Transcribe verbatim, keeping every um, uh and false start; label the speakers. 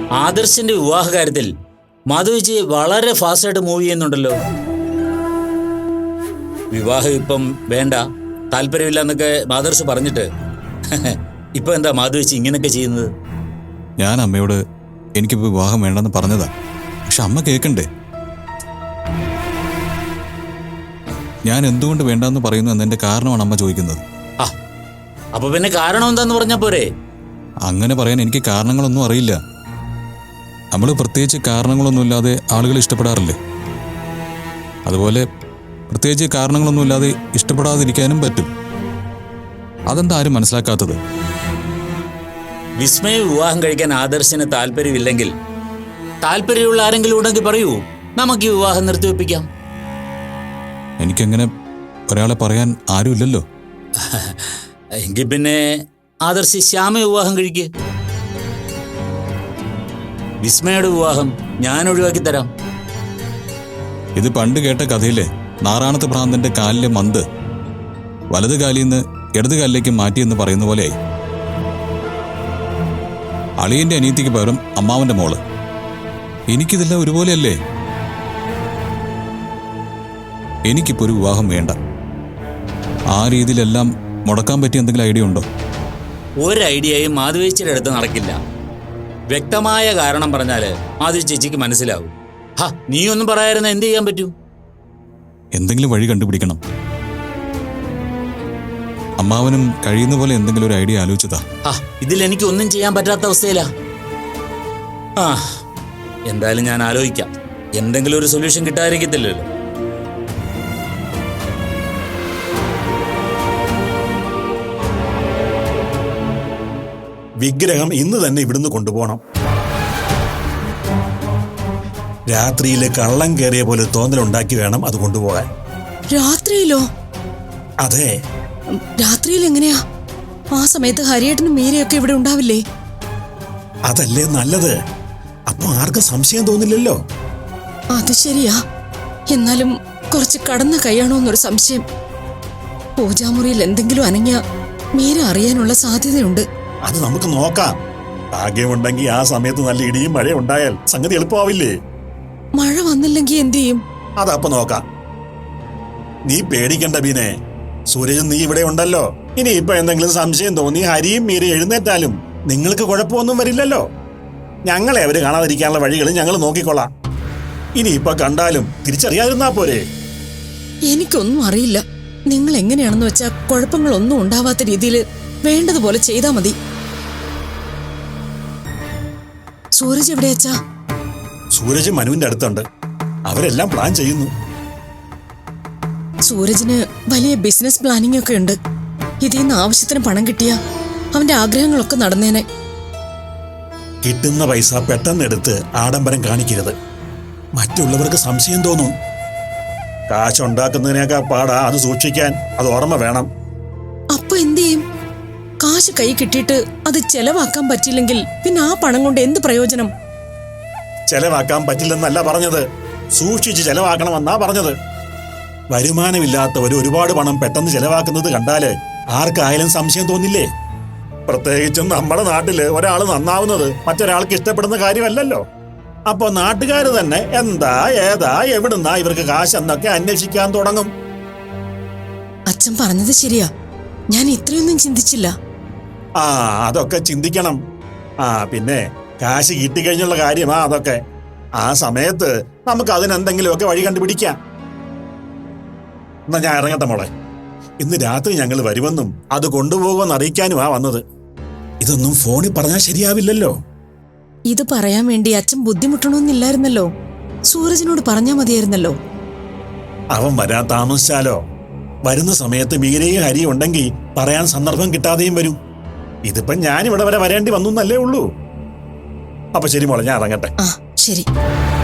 Speaker 1: ആദർശിന്റെ വിവാഹ കാര്യത്തിൽ മാധവിജി വളരെ ഫാസ്റ്റായിട്ട് മൂവ് ചെയ്യുന്നുണ്ടല്ലോ. വിവാഹം ഇപ്പം വേണ്ട, താല്പര്യമില്ല എന്നൊക്കെ ആദർശ് പറഞ്ഞിട്ട് ഇപ്പൊ എന്താ മാധവിജി ഇങ്ങനെയൊക്കെ ചെയ്യുന്നത്?
Speaker 2: ഞാൻ അമ്മയോട് എനിക്കിപ്പോൾ വിവാഹം വേണ്ടെന്ന് പറഞ്ഞതാ, പക്ഷെ അമ്മ കേൾക്കണ്ടേ? ഞാൻ എന്തുകൊണ്ട് വേണ്ടെന്ന് പറയുന്നു എന്നതിന്റെ കാരണമാണ് അമ്മ ചോദിക്കുന്നത്.
Speaker 1: ആ അപ്പൊ പിന്നെ കാരണം എന്താന്ന് പറഞ്ഞാ പോരെ?
Speaker 2: അങ്ങനെ പറയാൻ എനിക്ക് കാരണങ്ങളൊന്നും അറിയില്ല. നമ്മൾ പ്രത്യേകിച്ച് കാരണങ്ങളൊന്നുമില്ലാതെ ആളുകൾ ഇഷ്ടപ്പെടാറില്ലേ? അതുപോലെ പ്രത്യേകിച്ച് കാരണങ്ങളൊന്നുമില്ലാതെ ഇഷ്ടപ്പെടാതിരിക്കാനും പറ്റും. അതെന്താ ആരും മനസ്സിലാക്കാത്തത്?
Speaker 1: വിസ്മയ വിവാഹം കഴിക്കാൻ ആദർശിന് താല്പര്യമില്ലെങ്കിൽ താല്പര്യമുള്ള ആരെങ്കിലും ഉണ്ടെങ്കിൽ പറയൂ, നമുക്ക് ഈ വിവാഹം നിർത്തിവെപ്പിക്കാം.
Speaker 2: എനിക്കങ്ങനെ ഒരാളെ പറയാൻ ആരുമില്ലല്ലോ.
Speaker 1: എങ്കിൽ പിന്നെ ആദർശ് ശ്യാമ വിവാഹം കഴിക്ക്. വിസ്മയുടെ വിവാഹം ഞാൻ ഒഴിവാക്കി തരാം.
Speaker 2: ഇത് പണ്ട് കേട്ട കഥയിലെ നാറാണത്ത് ഭ്രാന്തന്റെ കാലിലെ മന്ത് വലത് കാലിൽ നിന്ന് ഇടത് കാലിലേക്ക് മാറ്റിയെന്ന് പറയുന്ന പോലെയായി. അളിയന്റെ അനിയത്തിക്ക് പകരം അമ്മാവന്റെ മോള്. എനിക്കിതെല്ലാം ഒരുപോലെയല്ലേ? എനിക്കിപ്പോ ഒരു വിവാഹം വേണ്ട. ആ രീതിയിലെല്ലാം മുടക്കാൻ പറ്റിയ എന്തെങ്കിലും ഐഡിയ ഉണ്ടോ?
Speaker 1: ഒരു ഐഡിയയും മാധവിച്ചിയുടെ അടുത്ത് നടക്കില്ല. വ്യക്തമായ കാരണം പറഞ്ഞാല് മാധവി ചേച്ചിക്ക് മനസ്സിലാവും. ഹാ, നീ ഒന്നും പറയായിരുന്ന എന്ത് ചെയ്യാൻ പറ്റൂ?
Speaker 2: എന്തെങ്കിലും വഴി കണ്ടുപിടിക്കണം. അമ്മാവനും കഴിയുന്ന പോലെ എന്തെങ്കിലും ഒരു ഐഡിയ ആലോചിച്ചതാ.
Speaker 1: ആ ഇതിൽ എനിക്ക് ഒന്നും ചെയ്യാൻ പറ്റാത്ത അവസ്ഥയിലാ. ആ എന്തായാലും ഞാൻ ആലോചിക്കാം. എന്തെങ്കിലും ഒരു സൊല്യൂഷൻ കിട്ടാതിരിക്കത്തില്ലല്ലോ.
Speaker 3: വിഗ്രഹം ഇന്ന് തന്നെ ഇവിടുന്ന് കൊണ്ടുപോകണം. രാത്രിയില് കള്ളം കയറിയ പോലെ തോന്നലുണ്ടാക്കി വേണം അത് കൊണ്ടുപോകാൻ.
Speaker 4: രാത്രിയിലോ?
Speaker 3: അതെ.
Speaker 4: രാത്രിയിൽ എങ്ങനെയാ? ആ സമയത്ത് ഹരിയേട്ടനും മീരയൊക്കെ ഇവിടെ ഉണ്ടാവില്ലേ?
Speaker 3: അതല്ലേ നല്ലത്. അപ്പൊ ആർക്കും സംശയം തോന്നില്ലല്ലോ.
Speaker 4: അത് ശരിയാ. എന്നാലും കുറച്ച് കടന്ന കൈയാണോ എന്നൊരു സംശയം. പൂജാമുറിയിൽ എന്തെങ്കിലും അനങ്ങിയ മീര അറിയാനുള്ള സാധ്യതയുണ്ട്.
Speaker 3: അത് നമുക്ക് നോക്കാം. ഭാഗ്യമുണ്ടെങ്കിൽ ആ സമയത്ത് നല്ല ഇടിയും മഴയും ഉണ്ടായാൽ സംഗതി എളുപ്പമാവില്ലേ?
Speaker 4: മഴ വന്നില്ലെങ്കിൽ എന്ത് ചെയ്യും?
Speaker 3: അതപ്പൊ നോക്കാം. നീ പേടിക്കണ്ട ബീനെ. സൂരജ് നീ ഇവിടെ ഉണ്ടല്ലോ. ഇനി ഇപ്പൊ എന്തെങ്കിലും സംശയം തോന്നി ഹരിയും മീര എഴുന്നേറ്റാലും നിങ്ങൾക്ക് കുഴപ്പമൊന്നും വരില്ലല്ലോ. ഞങ്ങളെ അവര് കാണാതിരിക്കാനുള്ള വഴികൾ ഞങ്ങൾ നോക്കിക്കൊള്ളാം. ഇനി ഇപ്പൊ കണ്ടാലും തിരിച്ചറിയാതിരുന്നാ പോരെ?
Speaker 4: എനിക്കൊന്നും അറിയില്ല. നിങ്ങൾ എങ്ങനെയാണെന്ന് വെച്ചാ കുഴപ്പങ്ങളൊന്നും ഉണ്ടാവാത്ത രീതിയിൽ വേണ്ടതുപോലെ ചെയ്താ മതി. സൂരജ് എവിടെയാച്ചാ?
Speaker 3: സൂരജ് മനുവിന്റെ അടുത്തുണ്ട്. അവരെല്ലാം പ്ലാൻ ചെയ്യുന്നു.
Speaker 4: സൂരജിന് വലിയ ബിസിനസ് പ്ലാനിംഗ് ഒക്കെ ഉണ്ട്. ഇതിൽ നിന്ന് ആവശ്യത്തിന് പണം കിട്ടിയ അവന്റെ ആഗ്രഹങ്ങളൊക്കെ നടന്നേനെ.
Speaker 3: കിട്ടുന്ന പൈസ പെട്ടെന്ന് എടുത്ത് ആഡംബരം കാണിക്കരുത്. മറ്റുള്ളവർക്ക് സംശയം തോന്നും. കാശുണ്ടാക്കുന്നതിനേക്കാൾ പാടാ അത് സൂക്ഷിക്കാൻ. അത് ഓർമ്മ വേണം.
Speaker 4: അപ്പൊ എന്ത് ചെയ്യും? കാശ് കൈ കിട്ടിയിട്ട് അത് ചെലവാക്കാൻ പറ്റില്ലെങ്കിൽ പിന്നെ ആ പണം കൊണ്ട് എന്ത് പ്രയോജനം?
Speaker 3: ചെലവാക്കാൻ പറ്റില്ലെന്നല്ല പറഞ്ഞത്, സൂക്ഷിച്ച് ചെലവാക്കണമെന്നാ പറഞ്ഞത്. വരുമാനമില്ലാത്തവർ ഒരുപാട് പണം പെട്ടെന്ന് ചെലവാക്കുന്നത് കണ്ടാല് ആർക്കായാലും സംശയം തോന്നില്ലേ? പ്രത്യേകിച്ചും നമ്മുടെ നാട്ടില് ഒരാൾ നന്നാവുന്നത് മറ്റൊരാൾക്ക് ഇഷ്ടപ്പെടുന്ന കാര്യമല്ലല്ലോ. അപ്പൊ നാട്ടുകാര് തന്നെ എന്താ ഏതാ എവിടുന്നാ ഇവർക്ക് കാശ് എന്നൊക്കെ അന്വേഷിക്കാൻ തുടങ്ങും.
Speaker 4: അച്ഛൻ പറഞ്ഞത് ശരിയാ. ഞാൻ ഇത്രയൊന്നും ചിന്തിച്ചില്ല.
Speaker 3: ആ അതൊക്കെ ചിന്തിക്കണം. ആ പിന്നെ കാശ് കിട്ടിക്കഴിഞ്ഞുള്ള കാര്യമാ അതൊക്കെ. ആ സമയത്ത് നമുക്ക് അതിനെന്തെങ്കിലുമൊക്കെ വഴി കണ്ടുപിടിക്കാം. എന്നാ ഞാൻ ഇറങ്ങട്ടെ മോളെ. ഇന്ന് രാത്രി ഞങ്ങൾ വരുമെന്നും അത് കൊണ്ടുപോകുമെന്ന് അറിയിക്കാനുമാ വന്നത്. ഇതൊന്നും ഫോണിൽ പറഞ്ഞാൽ ശരിയാവില്ലല്ലോ.
Speaker 4: ഇത് പറയാൻ വേണ്ടി അച്ഛൻ ബുദ്ധിമുട്ടണമെന്നില്ലായിരുന്നല്ലോ. സൂരജിനോട് പറഞ്ഞാ മതിയായിരുന്നല്ലോ.
Speaker 3: അവൻ വരാൻ താമസിച്ചാലോ? വരുന്ന സമയത്ത് മീരയും ഹരിയും ഉണ്ടെങ്കിൽ പറയാൻ സന്ദർഭം കിട്ടാതെയും വരും. ഇതിപ്പം ഞാൻ ഇവിടെ വരെ വരേണ്ടി വന്നു എന്നല്ലേ ഉള്ളൂ. അപ്പൊ ശരി മോളെ, ഞാൻ ഇറങ്ങട്ടെ.
Speaker 4: ആ ശരി.